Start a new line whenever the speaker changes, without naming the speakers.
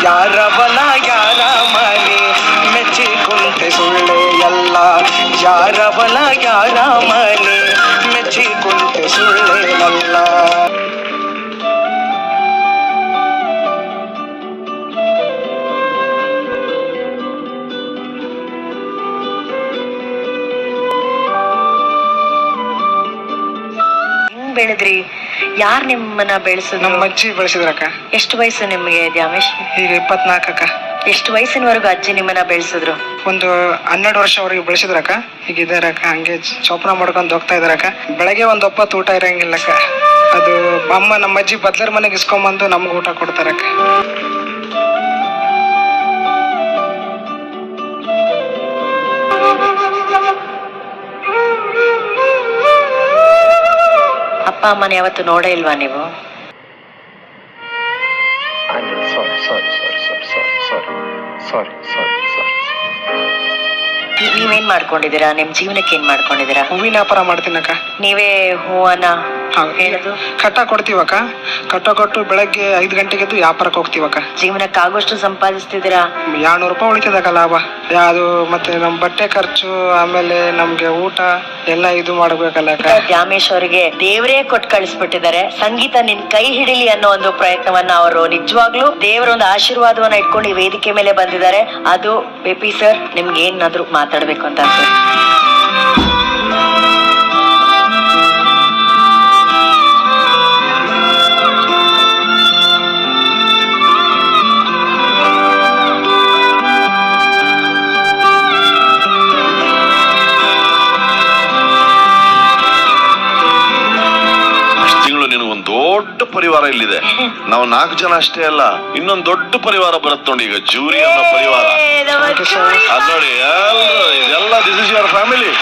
ಯಾರವನ ಯಾರ ಮನೆ ಮೆಚ್ಚಿಕೊಂಡೆ ಸುಳ್ಳೆ ಎಲ್ಲ ಯಾರವನ ಯಾರ ಮನೆ ಮೆಚ್ಚಿಕೊಂಡೆ ಸುಳ್ಳೆನಲ್ಲ.
ಬೆಳೆದ್ರಿ? ಯಾರ್ ನಿಮ್ಮನ್ನ ಬೆಳೆಸಿದ್ರು?
ನಮ್ಮ ಅಜ್ಜಿ ಬೆಳೆಸಿದ್ರಕ್ಕ.
ಎಷ್ಟು ವಯಸ್ಸು ನಿಮ್ಗೆ ದ್ಯಾಮೇಶ್?
ಈಗ 24 ಅಕ್ಕ.
ಎಷ್ಟು ವಯಸ್ಸಿನವರೆಗೂ ಅಜ್ಜಿ ನಿಮ್ಮನ್ನ ಬೆಳೆಸಿದ್ರು?
ಒಂದು 12 ವರ್ಷವರೆಗೆ ಬೆಳೆಸಿದ್ರಕ್ಕ. ಈಗ ಇದಾರಕ್ಕ, ಹಂಗೆ ಚೋಪನ ಮಾಡ್ಕೊಂಡು ಹೋಗ್ತಾ ಇದಾರಕ್ಕ. ಬೆಳಗ್ಗೆ ಒಂದು ಒಪ್ಪತ್ತು ಊಟ ಇರಂಗಿಲ್ಲಕ್ಕ. ಅದು ಅಮ್ಮ ನಮ್ಮ ಅಜ್ಜಿ ಬದ್ಲರ್ ಮನೆಗೆ ಇಸ್ಕೊಂಬಂದು ನಮ್ಗೆ ಊಟ ಕೊಡ್ತಾರಕ್ಕ.
ಅಪ್ಪ ಅಮ್ಮನ ಯಾವತ್ತು ನೋಡೇ ಇಲ್ವಾ ನೀವು? ನೀವೇನ್ ಮಾಡ್ಕೊಂಡಿದ್ದೀರಾ? ನಿಮ್ ಜೀವನಕ್ಕೆ ಏನ್ ಮಾಡ್ಕೊಂಡಿದ್ದೀರಾ?
ಹೂವಿನ ವ್ಯಾಪಾರ ಮಾಡ್ತೀನಕ್ಕ.
ನೀವೇ ಹೂವನ್ನ ಹೇಳುದು
ಕಟ್ಟ ಕೊಡ್ತೀವಕ್ಕ. ಕಟ್ಟ ಕೊಟ್ಟು ಬೆಳಗ್ಗೆ 5 ಗಂಟೆಗೆ ಎದ್ದು ವ್ಯಾಪಾರಕ್ಕೆ ಹೋಗ್ತೀವಕ್ಕ.
ಜೀವನಕ್ಕೆ ಆಗೋಷ್ಟು ಸಂಪಾದಿಸ್ತಿದ್ದೀರಾ?
200 ರೂಪಾಯಿ ಉಳಿತದಕ್ಕ ಲಾಭ. ಅದು ಮತ್ತೆ ನಮ್ ಬಟ್ಟೆ ಖರ್ಚು, ಆಮೇಲೆ ನಮ್ಗೆ ಊಟ ಎಲ್ಲ ಇದು ಮಾಡ್ಬೇಕಲ್ಲ.
ದ್ಯಾಮೇಶ್ ಅವರಿಗೆ ದೇವರೇ ಕೊಟ್ಟು ಕಳಿಸ್ಬಿಟ್ಟಿದ್ದಾರೆ. ಸಂಗೀತ ನಿನ್ ಕೈ ಹಿಡಿಲಿ ಅನ್ನೋ ಒಂದು ಪ್ರಯತ್ನವನ್ನ ಅವರು ನಿಜವಾಗ್ಲೂ ದೇವರ ಒಂದು ಆಶೀರ್ವಾದವನ್ನ ಇಟ್ಕೊಂಡು ಈ ವೇದಿಕೆ ಮೇಲೆ ಬಂದಿದ್ದಾರೆ. ಅದು ಪೆಪಿ ಸರ್, ನಿಮ್ಗೆ ಏನಾದ್ರು ಮಾತಾಡ್ಬೇಕು ಅಂತ ಅನ್ಸುತ್ತೆ?
ದೊಡ್ಡ ಪರಿವಾರ ಇಲ್ಲಿದೆ. ನಾವು 4 ಜನ ಅಷ್ಟೇ ಅಲ್ಲ, ಇನ್ನೊಂದು ದೊಡ್ಡ ಪರಿವಾರ ಬರುತ್ತೆ ನೋಡಿ. ಈಗ ಜೂರಿ ಅನ್ನೋ ಪರಿವಾರ ಅದ್ ನೋಡಿ, ಇದೆಲ್ಲ ದಿಸ್ ಇಸ್ ಯುವರ್ ಫ್ಯಾಮಿಲಿ.